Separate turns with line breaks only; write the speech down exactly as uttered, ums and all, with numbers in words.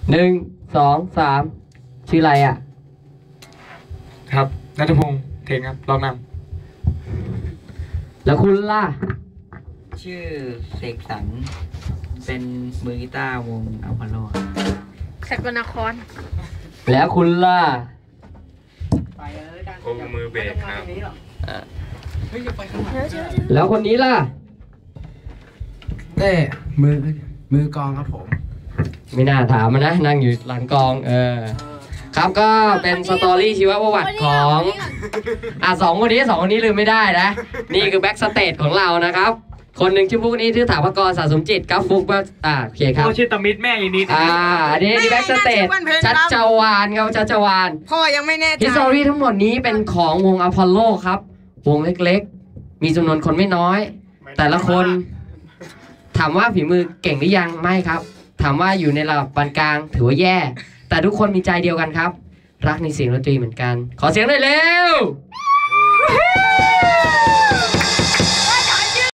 หนึ่งสองสามชื่ออะไรอ่ะ
ครับนัทพงศ์เทนครับลองน
ำแล้วคุณล่ะ
ชื่อเสกสรรเป็นมือกีตาร์วงอัลพาโล
สกลนคร
แล้วคุณล่ะ
โอ้มือเบสครับ
แล้วคนนี้ล่ะ
เต้มือมือกองครับผม
ไม่น่าถามมันนะนั่งอยู่หลังกองเออครับก็เป็นสตอรี่ชีวประวัติของอ่ะสองคนนี้สองคนนี้ลืมไม่ได้นะนี่คือแบ็กสเตจของเรานะครับคนหนึ่งชื่อฟุกนี้ชื่อถาปกรสะสมจิตครับฟุกว่าอ่าโอเคครับ
พ่อชื่อตมิตรแม่อีนิด
อ่าอันนี้นี่แบ็กสเตจชัดจวานครับชัดจวาน
พ่อยังไม่แน่ใจ
ฮิสตอรี่ทั้งหมดนี้เป็นของวงอพอลโลครับวงเล็กๆมีจำนวนคนไม่น้อยแต่ละคนถามว่าฝีมือเก่งหรือยังไม่ครับถามว่าอยู่ในระดับปานกลางถือว่าแย่แต่ทุกคนมีใจเดียวกันครับรักในเสียงดนตรีเหมือนกันขอเสียงหน่อยเร็ว